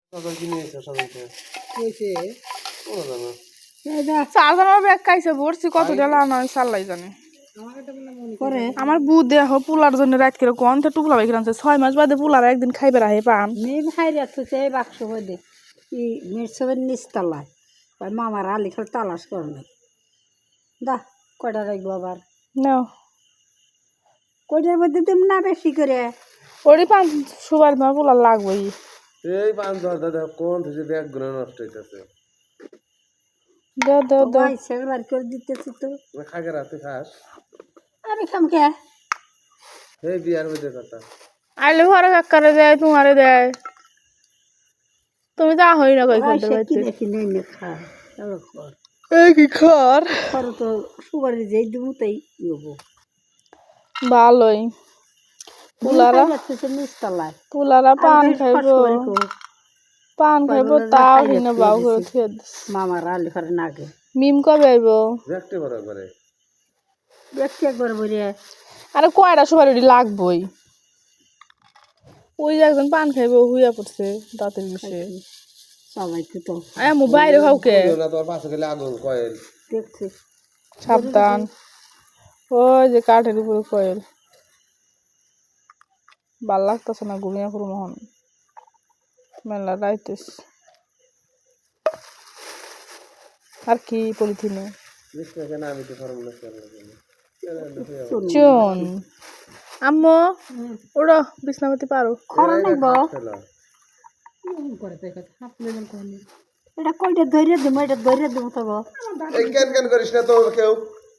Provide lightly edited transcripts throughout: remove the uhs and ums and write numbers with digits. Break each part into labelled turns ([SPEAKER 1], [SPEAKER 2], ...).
[SPEAKER 1] সকাল কিনে এসে সবাইকে
[SPEAKER 2] হয়েছে
[SPEAKER 3] চারজনের ব্যাগ খাইছে ভরছি কত টাকা নয় সাল্লাই জানে আমার বু দেহ পোলার জন্য রাত করে কোন তো পোলা বাইকে আনছে 6 মাস বাদে পোলার একদিন খাইবে রাহে পান
[SPEAKER 2] মেম খাই রাখছে এই বাক্স দে ই মিরসবের নিচতলায় ওই মামার আলি খেলে তালাশ করে নাই দা কয়টা রাখবো আবার
[SPEAKER 3] নাও
[SPEAKER 2] কয়টার মধ্যে তুমি না বেশি করে
[SPEAKER 3] ওরই পান সুবার তোমার পোলার লাগবেই
[SPEAKER 1] এই 5-10 দাদা কোন থেকে ব্যাগ গুলো নষ্ট হইতাছে
[SPEAKER 3] দাও দাও দাও
[SPEAKER 2] আইসা বার করে দিতেছি তো
[SPEAKER 1] খাগে রাতে খাস
[SPEAKER 2] আমি খাম কে
[SPEAKER 1] এই বিয়ার মধ্যে কথা
[SPEAKER 3] আইলে ঘরে কাকারে দেয় তোমারে দেয় তুমি যা হই না কই ফেলতে
[SPEAKER 2] কি
[SPEAKER 3] পারতে
[SPEAKER 2] দেখি নেই নে খা খর
[SPEAKER 3] এই কি খর
[SPEAKER 2] খর তো সুগারে যেই দেবো তাই নেবো
[SPEAKER 3] ভালোই পোলারা
[SPEAKER 2] নিচতলায়
[SPEAKER 3] পোলারা পান খাইবো তাও হিনে বাউ করে থুয়ে দিস
[SPEAKER 2] মামার আলি ঘরে নাগে
[SPEAKER 3] মিম কবে আইবো
[SPEAKER 1] দেখতে পারো একবারে
[SPEAKER 2] দেখছি একবার বলে
[SPEAKER 3] আরে কয়টা সবার ওটি লাগবই ওই যে একজন পান খাইবো হুইয়া পড়ছে দাঁতের বিষে
[SPEAKER 2] সবাই তো
[SPEAKER 3] আয় মোবাইল খাওকে
[SPEAKER 1] না তোর পাশে গেলে আগুন কয়েল
[SPEAKER 2] দেখছি
[SPEAKER 3] সাবধান ওই যে কাঠের উপরে কয়েল ভাল লাগতেছে না ঘুমিয়ে পড়ো মোহন মেলা রাইতেস আর কি পলিথিনে
[SPEAKER 1] কেন আমি তো ফর্মুলা
[SPEAKER 3] চুন আম্মু ওড়ো বিছনাপতি পারো
[SPEAKER 2] খরা নাইব এটা কয়টা ধৈর্য দেবো এটা ধৈর্য দেবো তবে
[SPEAKER 1] এই কেন করিস না তো কেউ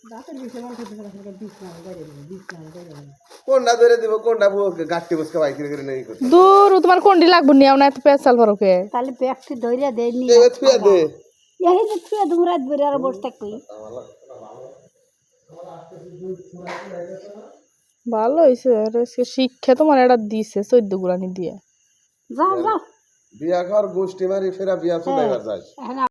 [SPEAKER 1] কোনটা ধরে দিব কোনটা গাছটি বসকে বাইক করে নেই করতে
[SPEAKER 3] দূর তোমার কোনটি লাগবো নিও না এত পেঁচাল পারোকে
[SPEAKER 2] তাহলে ব্যাগটি ধৈর্য দেয়নি
[SPEAKER 1] এই থুয়া দে
[SPEAKER 2] এই যে থুয়ে দেবো রাত বেড়ে আর বসে থাকবি
[SPEAKER 3] ভালো হয়েছে শিক্ষা তোমার এটা দিছে 14 গুলানি দিয়ে
[SPEAKER 2] যাও যাও
[SPEAKER 1] বিয়া ঘর গোষ্ঠী মারি ফেরা বিয়া চলে যাস